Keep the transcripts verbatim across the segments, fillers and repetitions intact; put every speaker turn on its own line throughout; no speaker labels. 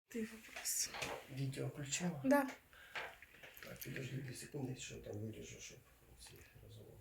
Ты вопрос.
Відео включила?
Да.
Так, підожди дві секунди, що там виріжу, щоб ці розмови.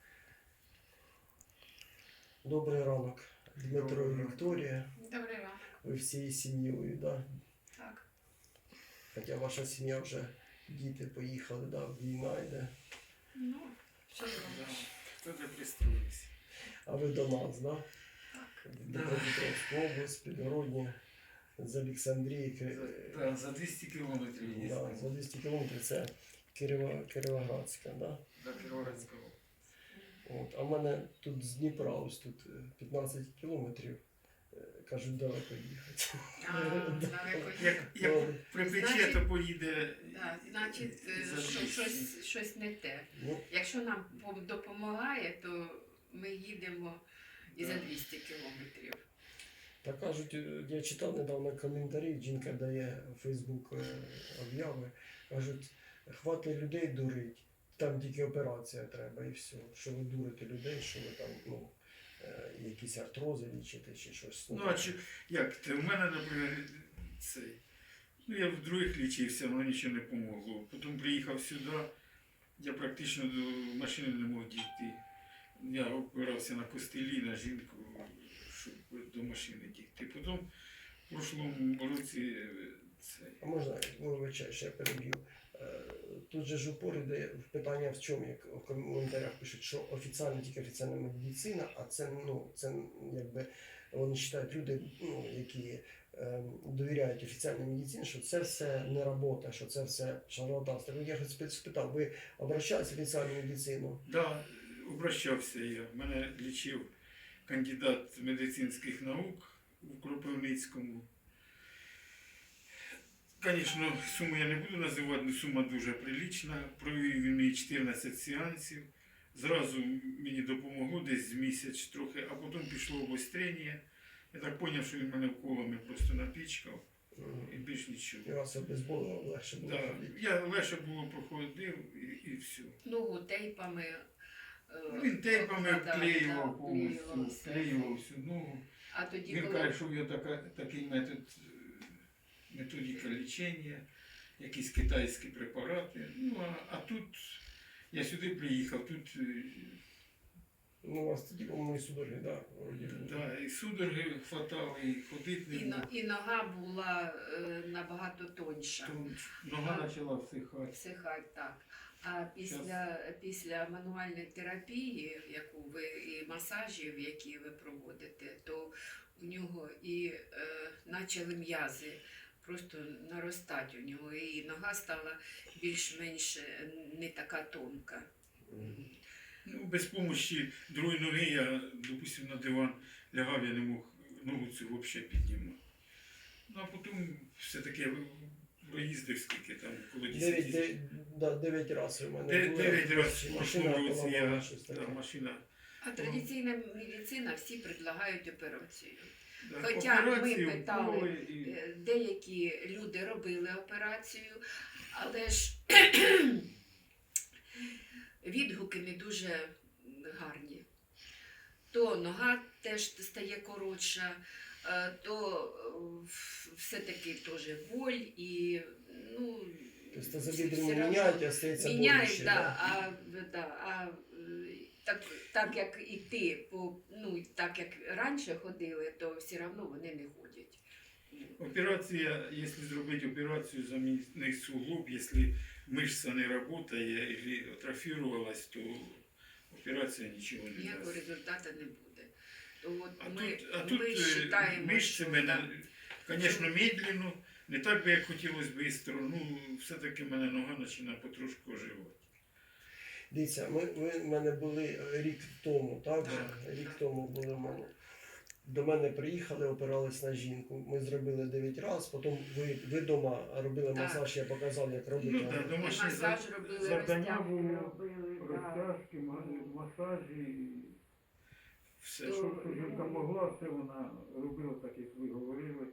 Добрий ранок, Дмитро і Вікторія.
Добрий ранок.
Ви всією сім'єю, да?
Так.
Хоча ваша сім'я вже, діти поїхали, да, війна йде.
Ну, що зробиш?
Кто-то пристроились.
А ви до нас, да?
Так.
Дніпропетровська область, Підгородня, з Олександрії.
За, да, за двісті кілометрів є.
Да, за двісті кілометрів це Кирива, Кіровоградська, да?
До Кіровоградського.
От, а в мене тут з Дніпра, ось тут е, п'ятнадцять кілометрів, е, кажуть, далеко їхати.
А, далеко є.
Як, як припече,
Значить,
то поїде.
Так, значить, е,
за
що,
двісті.
щось, щось не те.
Ну,
Якщо нам пом- допомагає, то ми їдемо і за
Так.
двісті кілометрів.
так кажуть, е, я читав недавно коментарі, жінка дає в Фейсбук е, обяви, кажуть, хватить людей дурить, там тільки операція треба і все. Що ви дурите людей, що ви там, ну, е, якісь артрози лічите чи щось.
Ну, а чи, як ти? У мене, наприклад, цей. Ну, я в других лічився, але нічого не помогло. Потім приїхав сюди, я практично до машини не мог дійти. Я опирався на костелі, на жінку, щоб до машини дійти. Потім в прошлому році е, цей.
А можна, вибачаю, ще я переб'ю. Е, Тут же ж упор іде в питання в чому, як в коментарях пишуть, що офіційно тільки офіційна медицина, а це, ну, це якби вони вважають люди, ну, які е, довіряють офіційній медицині, що це все не робота, що це все шарлатанство. Я хоч спитав, ви обращались в офіційну медицину?
Да, обращався я. Мене лічив кандидат медицинських наук у Кропивницькому. Звісно, суму я не буду називати, але сума дуже прилічна. Провів він мені чотирнадцять сеансів. Зразу мені допомогло десь місяць трохи, а потім пішло обострення. Я так зрозумів, що він мене вколами просто напічкав і більш нічого.
І вас обезболило, легше було.
Да,
ходити.
я легше було проходив і, і все.
Ногу тейпами. е,
Він тейпами
обкладав, да,
вклеював
вклеював
повністю,
все.
вклеював всю ногу.
А тоді,
Він
коли
каже, що є така, такий метод, е, методика лічення, якісь китайські препарати. Ну, а, а тут я сюди приїхав, тут е,
Ну, у вас тоді, по-моєму, і судороги, да? вроді.
да, і судороги хватало, і ходити
і,
не
но-
мог.
і нога була е, набагато тоньша.
Тут нога почала всихати.
Всихать так. А після, після мануальної терапії, яку ви і масажів, які ви проводите, то у нього і е, почали м'язи просто наростати у нього, і нога стала більш-менш е, не така тонка.
Мгм.
Ну, без допомоги другої ноги я, допустим, на диван лягав, я не мог ногу цю взагалі піднімати. Ну, а потім все-таки я проїздив скільки там, коло десять.
Дев'ять, де- да, дев'ять разів у мене
Де-
було.
Дев'ять разів в
Машина
прошлому році
поламала,
я,
щось
та,
таке.
машина.
А традиційна медицина всі предлагають операцію.
Да,
Хоча ми
операцію,
питали,
вколи і-
Е, Деякі люди робили операцію, але ж відгуки не дуже гарні. То нога теж стає коротша, е, то е, все-таки теж боль і ну,
Тобто
все-
тазобедренні
все равно
міняють, а стається
міняють,
боляче,
да,
да?
а, да, а е, так, так як і ти, по, ну, так як раніше ходили, то все одно вони не ходять.
Операція, якщо зробити операцію замінити суглоб, якщо мишця не працює або атрофірувалась, то операція нічого не
Ніякого
дасть.
результату не буде. То от
А
ми,
тут, а
ми
тут е,
вважаємо,
мишці
що
мене,
так,
звісно, медленно, не так би, як хотілося швидко, ну, все-таки мене нога починає потрошку оживати.
Дивіться, ми, ви в мене були рік тому, так? же?
Так,
Рік
так.
тому були в мене. До мене приїхали, опирались на жінку. Ми зробили дев'ять разів, потім ви, ви вдома робили
Так.
масаж, я показав, як робити.
Ну, так,
і
домашні
масаж
за-
робили,
завдання
розтяжки
було,
робили. да.
розтяжки, масажі, все,
То,
що що жінка
ну,
могла, все вона робила так, як ви говорили.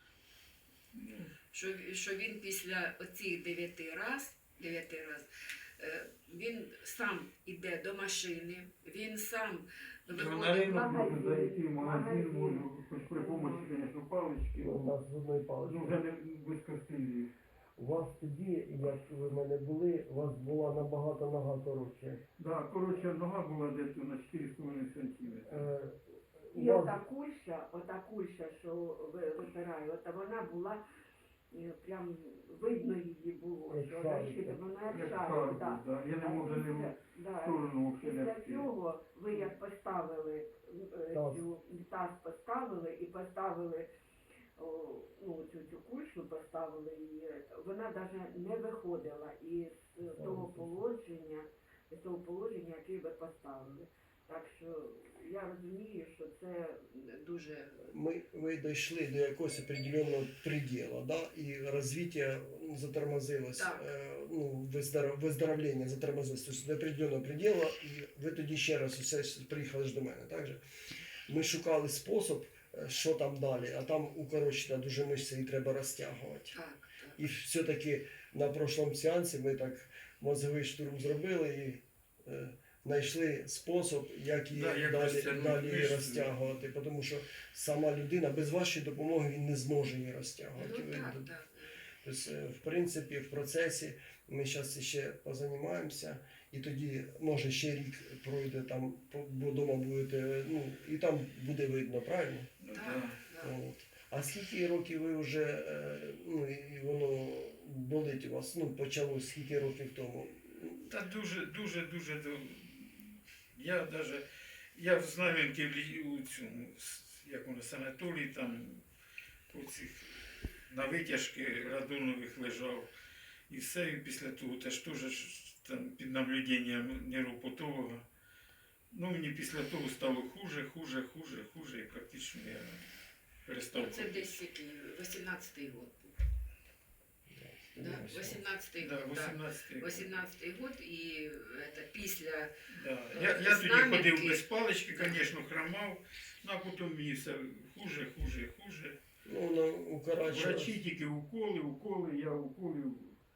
Що, що він після оцих дев'яти раз, дев'яти раз е, він сам іде до машини, він сам
На
виходить.
ринок можна
магазин,
зайти, в магазин
магазин.
можна, хоч при помощі, звісно, палички.
У нас з одної
Ну,
палички.
вже не без костилів.
У вас тоді, як ви в мене були, у вас була набагато нога коротше.
Да, коротше, нога була десь на чотири з половиною сантиметри.
Е, у
І
вас-
ота кульша, ота кульша, що ви- випирає, ота вона була е, прям видно її було,
Як
що
шарик,
защита,
так.
вона як
Як
шарик,
шарик,
да.
да. Я не
А
можу
після-
не
да,
в сторону
Після
вхиляти.
цього ви як поставили е,
Таз.
цю таз поставили і поставили о, ну, цю, цю кульшу поставили її, е, вона навіть не виходила із того положення, з того положення, яке ви поставили. Так що я розумію, що це
Дуже
мы, мы дошли до якогось определенного предела, да, и развитие затормозилось,
Так.
е, ну, виздоров- виздоровлення затормозилось, тобто до определенного предела, і ви тоді ще раз усе приїхали ж до мене, так же? Ми шукали спосіб, е, що там далі, а там укорочена дуже мишця і треба розтягувати.
так, так.
І все-таки на прошлому сеансі ми так мозговий штурм зробили і е, знайшли спосіб, як її
Да, як
далі,
розтягнути
далі її
мишцю.
розтягувати. Тому що сама людина без вашої допомоги він не зможе її розтягувати.
Ну
Ви-
так, так.
Тобто, е, в принципі, в процесі ми зараз ще позанімаємося, і тоді, може, ще рік пройде там, по- бо вдома будете, ну, і там буде видно, правильно?
Ну,
Так,
да.
так.
От. А скільки років ви вже, е, ну, і воно болить у вас, ну, почалось скільки років тому?
Та дуже, дуже, дуже. до- Я навіть, я в Знам'янці в лі- у цьому, с- як воно, санаторії, там, у цих, на витяжки радонових лежав. І все, і після того теж теж ж там під наблюденням нейропатолога. Ну, мені після того стало хуже, хуже, хуже, хуже, і практично я перестав.
Ну, це
ходити.
десь який, вісімнадцятий год був. Да?
Ось.
вісімнадцятий
Да,
год, так.
вісімнадцятий.
вісімнадцятий год і це, після
Да.
Е,
Я, я тоді
Знам'янки.
ходив без палички, звісно, хромав, ну, а потім мені все хуже, хуже, хуже.
Ну, воно укорачує.
Врачі тільки уколи, уколи, я уколів.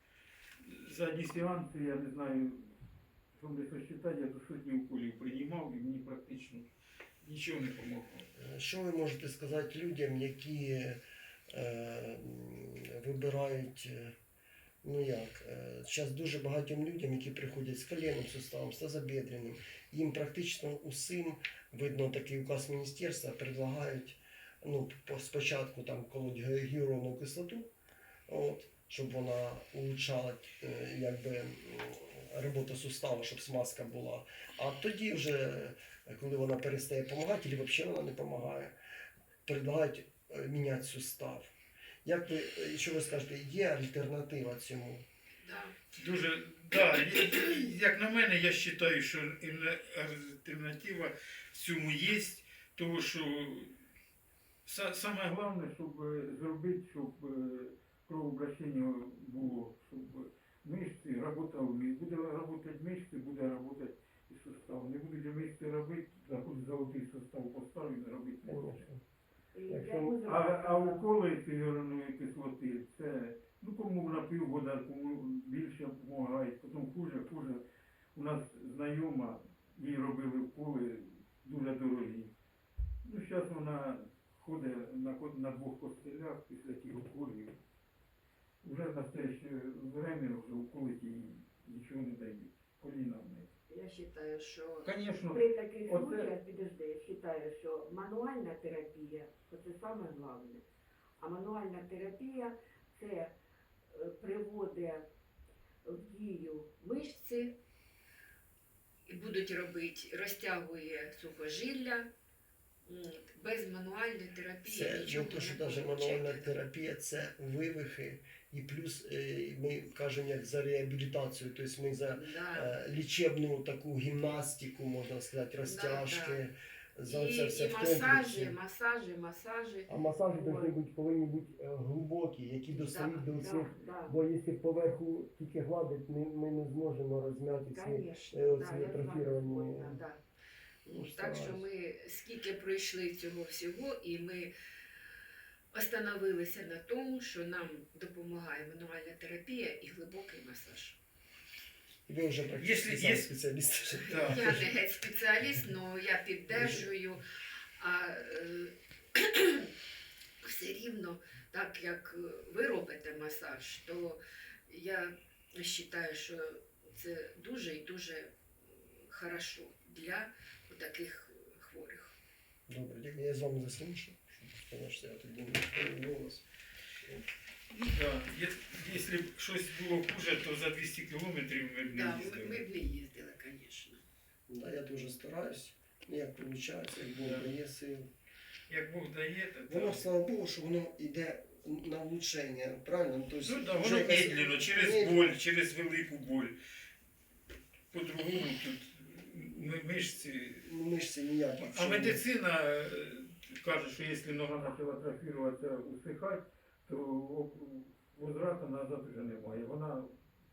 За одні сеанси, я не знаю, що не сосчитати, я до сотні уколів приймав і мені практично нічого не допомогло.
Що ви можете сказати людям, які е, м, вибирають, е, ну як, зараз дуже багатьом людям, які приходять з коленним суставом, з тазобедренним, їм практично усім, видно такий указ міністерства, предлагають, ну, по- спочатку там колоть ге- гіалуронову кислоту, от, щоб вона улучшала е, якби, м, роботу сустава, щоб смазка була. А тоді вже, коли вона перестає допомагати, або взагалі вона не допомагає, предлагають е, міняти сустав. Як ви, е, що ви скажете, є альтернатива цьому?
да,
Дуже, да, є- як на мене, я вважаю, що альтерна- альтернатива цьому є, тому що са- саме головне, щоб е, зробити, щоб е, кровообращення було, щоб мишці працювали. Буде працювати мишці, буде працювати і сустав. Не будуть мишці робити, заходить золотий сустав поставить, робити не буде.
Конечно.
і
Якщо-
для музики-
А, а уколи фігурної кислоти, це, ну кому на півгода, кому більше допомагає, потім хуже, хуже. У нас знайома, їй робили уколи дуже дорогі. Ну, зараз вона ходить на, ко- на двох костелях після тих уколів. Вже в настояще время вже уколи їй нічого не дають. Коліна в неї.
я вважаю, що
Звісно,
При таких
Оце-
случаях, підожди, я вважаю, що мануальна терапія це саме головне. А мануальна терапія це е, приводить в дію
мишці і будуть робити, розтягує сухожилля. От. Без мануальної терапії
Це не
нічого
то, що
не
навіть
получите.
мануальна терапія, це вивихи, і плюс е, ми кажемо як за реабілітацію, тобто ми за
Да.
е, лічебну таку гімнастику, можна сказати, розтяжки, за
І,
це все
і
в
масажі,
комплексі.
масажі, масажі.
А масажі
Ой.
повинні бути, повинні бути е, глибокі, які достають до
Да,
всіх.
да,
Бо якщо поверху тільки гладить, ми, ми не зможемо розм'яти ці.
конечно,
е,
да,
оці
я з вами
атрофіровані.
згодна, да.
Ну,
Так що ми скільки пройшли цього всього, і ми остановилися на тому, що нам допомагає мануальна терапія і глибокий масаж.
Ви вже практично
Якщо
сам
є-
спеціаліст.
Да.
Я не геть спеціаліст, але я піддержую. А е, все рівно, так як ви робите масаж, то я вважаю, що це дуже і дуже хорошо для таких хворих.
Добре, дякую. Я з вами заслушав. Конечно, я тоді не голос.
Ну, да. Є- Якщо б щось було хуже, то за двісті кілометрів ми б не
Да, ми,
їздили.
ми б не їздили, звісно.
Да, я дуже стараюсь. Як виходить, як Бог
Да.
дає сил.
Як Бог дає, то
Воно,
так.
слава Богу, що воно йде на влучення, правильно? Ну, тобто,
Ну, да,
вже
воно
якась-
медленно, через
медленно.
боль, через велику боль. По-другому тут ми- мишці.
Ну, мишці ніякі.
А медицина е, каже, що якщо нога почала трофіруватися, усихати, то о- возврату назад вже немає. Вона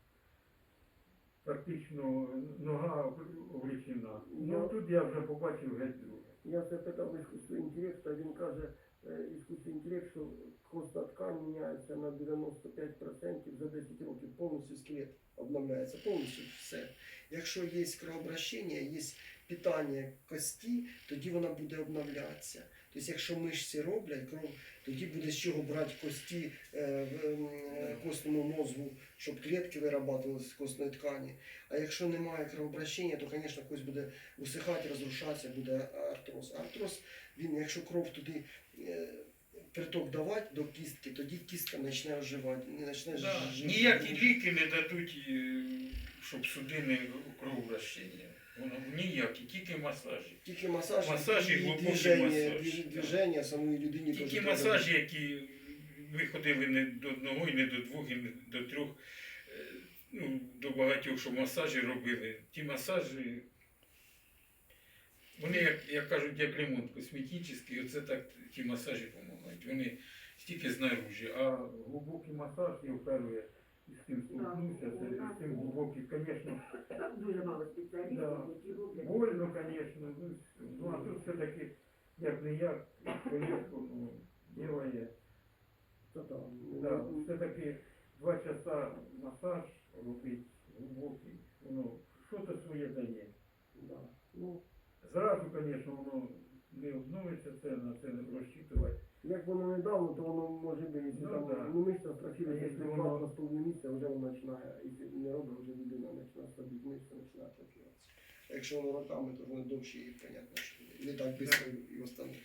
практично нога облічена. Ну тут я вже побачив геть друге.
Я запитав іскусний інтелект, а він каже, е, іскусний інтелект, що костна ткань міняється на дев'яносто п'ять відсотків за десять років, повністю скелет обновляється, повністю все. Якщо є кровообращення, є питання кості, тоді вона буде обновлятися. Тобто, якщо мишці роблять кров, тоді буде з чого брати кості е, в е, костному мозку, щоб клітки вирабатувалися з костної ткані. А якщо немає кровообращення, то, звісно, кость буде усихати, розрушатися, буде артроз. Артроз, він, якщо кров туди е, приток давати до кістки, тоді кістка почне оживати. Не почне
Да.
жити.
Ніякі ліки не дадуть, е, щоб судини кровообращення. Воно ніякі, тільки масажі.
Тільки масаж,
Масаж і
і
глибокий
движення,
масаж.
движ- движення самої людині.
Тільки
теж
масажі, які ми ходили не до одного, і не до двох, і не до трьох, е, ну, до багатьох, що масажі робили. Ті масажі, вони, як, як кажуть, як ремонт косметичний, оце так ті масажі допомагають. Вони стільки знаружі, а глибокий масаж я вперше з цим столкнувся, це з цим глибокий, звісно,
Там дуже мало спеціалістів,
Да.
які роблять.
больно, звісно, ну, ну а тут все-таки, як не як, повістку, ну, ділає.
Та там,
Да, все-таки два часа масаж робить глибокий, воно що-то своє дає.
да. Ну,
Зразу, звісно, воно не обновиться, це на це не розчитувати.
як воно недавно, то воно може бути, якщо
Ну,
там
да.
ну, мишця строфіла,
А
якщо
якщо
воно
воно-
на половину місця, вже воно починає, якщо не робить, вже людина починає слабіти, мишця починає атрофуватися. А якщо воно роками, то воно довше і понятно, що не так швидко і остановить.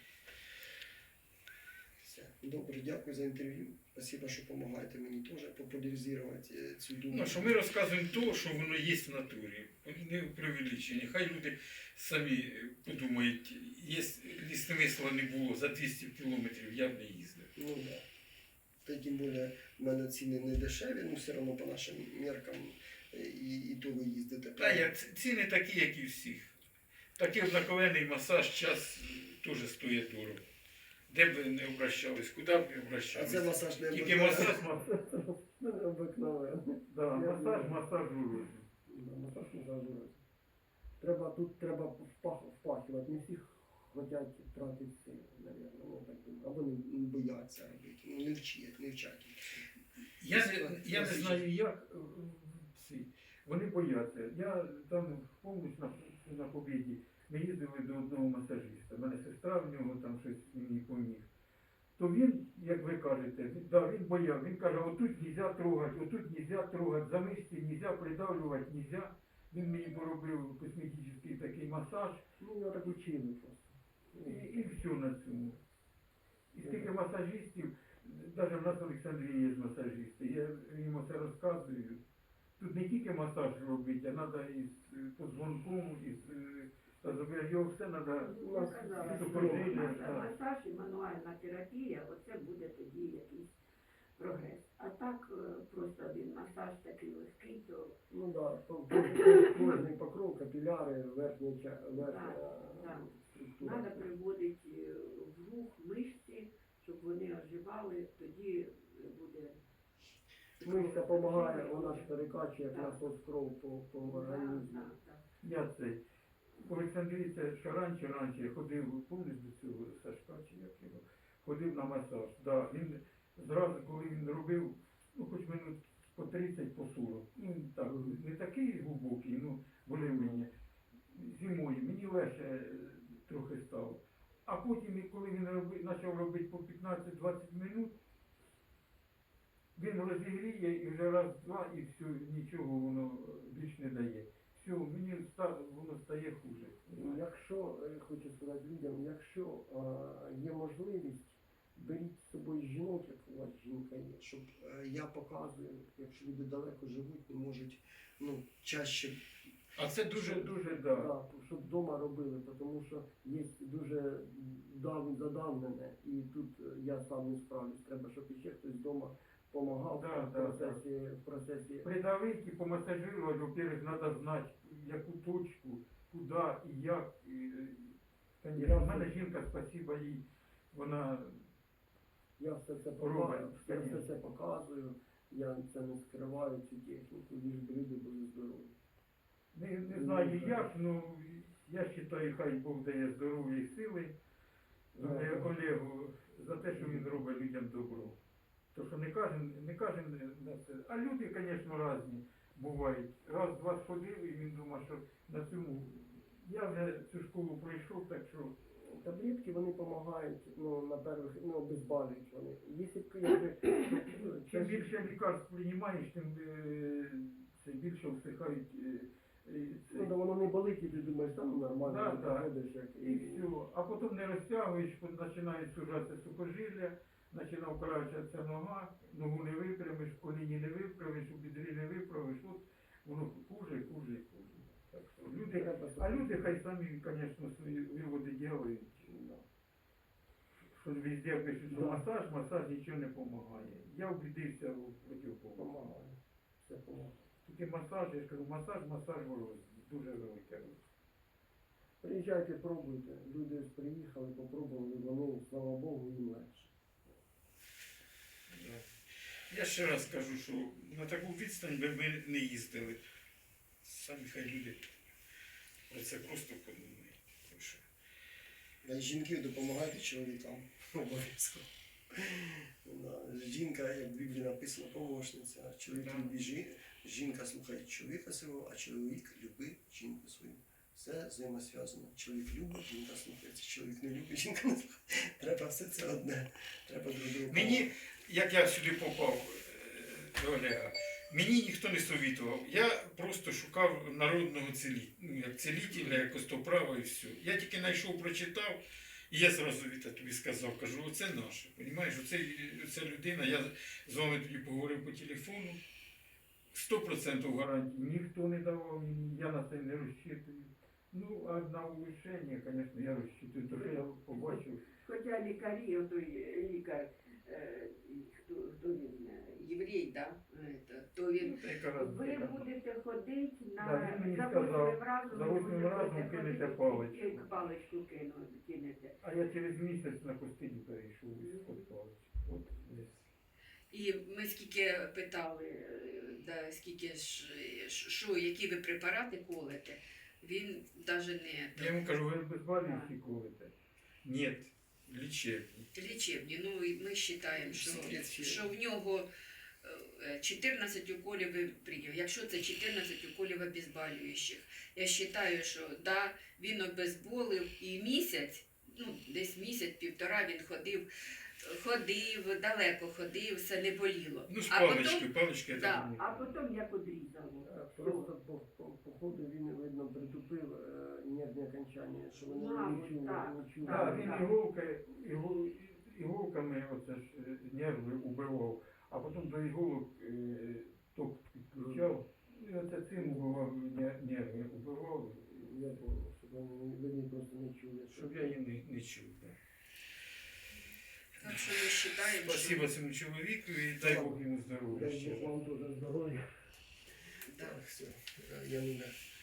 Все. Добре, дякую за інтерв'ю. Спасибо, що допомагаєте мені теж популяризувати е, цю думку.
Ну, що ми розказуємо то, що воно є в натурі. Не преувеличення. Хай люди самі подумають, якщо смисла не було за двісті кілометрів, я б не їздив.
Ну да. Та й тим більше в мене ціни не дешеві, ну все одно по нашим меркам е, і, і то ви їздите.
Та я, ц- ціни такі, як і всіх. Такий однаковений масаж час е, теж стоїть дорого. Де б ви не обращались, куди б не
А
обращались.
це масаж не
Тільки
обикновений.
масаж, масаж.
Не обикновений.
Да, масаж, масажують.
Да, масаж масажують. Треба, тут треба впах, впахувати. Не всі хочуть тратити сили, мабуть. Ну, так думаю. Або не, не бояться робити. Ну, не вчать, не вчать.
Я не, я не знаю, як е, ці. Вони бояться. Я там повністю на, на Побєді. Ми їздили до одного масажиста. У мене сестра в нього там щось мені поміг. То він, як ви кажете, він, да, він бояв. Він каже, отут нельзя трогати, отут нельзя трогати, за мишці нельзя придавлювати, нельзя. Він мені поробив косметичний такий масаж.
Ну, його так учили просто.
І, і все на цьому. І скільки масажистів, навіть в нас в Олександрії є масажисти, я їм це розказую. Тут не тільки масаж робити, а треба і з е, позвонком, і з е, та зробити, його все треба
Я казала, що
супроводження.
маса-
да.
масаж і мануальна терапія, оце буде тоді якийсь прогрес. А так е, просто один масаж такий легкий, то
Ну да, кожний покров, капіляри, верхня, ча- верхня
да.
структура.
треба приводити е, в рух мишці, щоб вони оживали, тоді буде.
Мишця допомагає, вона ж перекачує як
Так.
насос кров по, по
Да,
організму.
да, да.
Я цей. В Олександрії це ще раніше, раніше я ходив, пам'ятаєш до цього Сашка, чи як його, ходив на масаж. Да, він зразу, коли він робив, ну хоч минут по тридцять, по сорок. Ну, так, не такий глибокий, ну, более-менее. Зимою мені легше е, трохи стало. А потім, і коли він роби, почав робити по п'ятнадцять-двадцять минут, він розігріє і вже раз-два, і все, нічого воно більш не дає. Все, мені ста- воно стає хуже.
Ну, якщо, е, хочу сказати людям, якщо е, є можливість, беріть з собою жінок, як у вас жінка є, щоб е, я показую, якщо люди далеко живуть, не можуть ну, чаще,
А це дуже-дуже,
да,
да.
щоб вдома робили, тому що є дуже дав, задавнене, і тут е, я сам не справлюсь. Треба, щоб іще хтось вдома допомагав
Да,
в,
да,
процесі, в процесі.
Придавить і помасажировать, во-первых, надо знати, яку точку, куди і як. І, е, конечно, в мене жінка, спасибо їй, вона
Я все це
Робить,
показую, я все
конечно.
це показую, я це не скриваю, цю техніку, ліж би люди були здорові.
не, не знаю як, ну я вважаю, хай Бог дає здоров'я і сили Оле- Олегу за те, що він робить людям добро. То що не кожен, не кожен на це. А люди, звісно, різні бувають. Раз-два сходив, і він думає, що на цьому я вже цю школу пройшов, так що
Таблетки вони допомагають, ну, на перших, ну, обезболюють вони. Якщо б, якби,
чим більше лікарств приймаєш, тим е, це більше всихають. е, е, це.
ну, то воно не болить, і ти думаєш, там ну, нормально,
Да,
ти
да.
проходиш, як
І все. А потім не розтягуєш, починають сужатися сухожилля, починає вкорачуватися нога, ногу не випрямиш, коліні не виправиш, у бідрі не виправиш. От воно хуже, хуже і хуже. Так що люди,
треба
а люди хай самі, звісно, свої виводи роблять.
Да.
Що везде пишуть, що
Да.
масаж, масаж нічого не допомагає. Я убедився у противоположному.
Помагає. Все помагає.
Тільки масаж, я ж кажу, масаж, масаж ворог, дуже велике.
Приїжджайте, пробуйте. Люди приїхали, попробували, вони, слава Богу, їм легше.
Я ще раз кажу, що на таку відстань би ми не їздили. Самі хай люди про це просто подумають. Тому що
А жінки допомагайте чоловікам. Обов'язково. Да. Жінка, як в Біблії написано, помощниця, а чоловік
Да.
любить жі... жінка слухає чоловіка свого, а чоловік любить жінку свою. Все взаємосв'язано. Чоловік любить, жінка слухається. Чоловік не любить, жінка не слухає. Треба все це одне. Треба друг другу.
мені, як я сюди попав е, до Олега, мені ніхто не совітував. Я просто шукав народного цілі... ну, як цілітеля, як костоправа і все. Я тільки знайшов, прочитав, і я зразу Віта тобі сказав, кажу, оце наше. Понімаєш, оце, оце людина, я з вами тоді поговорив по телефону. Сто процентів гарантії ніхто не давав мені, я на це не розчитую. Ну, а на улучшення, звісно, я розчитую, тому що я побачив.
Хоча лікарі, отой лікар, е, хто, хто він, е, єврей, да? Е, то він,
Ну, та яка раз
ви
така.
будете ходити на,
Да, він мені
за
сказав,
восьмим разом,
за
ви
восьмим
будете
разом
ходити,
кинете
і
паличку.
паличку кину, кинете.
А я через місяць на костині перейшов із код палички. От десь.
І ми скільки питали, е, да, скільки ж, е, що, які ви препарати колите, він навіть не
Я йому кажу, ви безболюючі колите? Ні, лічебні.
лічебні. Ну, і ми вважаємо, що,
Всі лічебні.
що в нього е, чотирнадцять уколів ви прийняв. Якщо це чотирнадцять уколів обезболюючих, я вважаю, що да, він обезболив і місяць, ну, десь місяць-півтора він ходив, ходив, далеко ходив, все не боліло.
Ну, з
А
палички,
потім,
палички я
да,
так не
А
кажу.
потім як одрізало.
Е, Просто по, по, по ходу він, видно, притупив е, нервні окончання, що вони
Мабуть,
не чули,
так.
не чули.
Так, він
так.
іголки, ігол, іголками оце ж е, нерви убивав, а потім до іголок е, ток підключав, і оце цим убивав нер- нерви, убивав,
Я думав, щоб вони, вони просто не чули.
щоб я її не, не чув. Да.
так що ми вважаємо, що
Спасибо цьому чоловіку і дай Бог йому здоров'я.
Дай
ще
Бог
раз.
вам теж здоров'я.
да.
Так, все. Е, Я не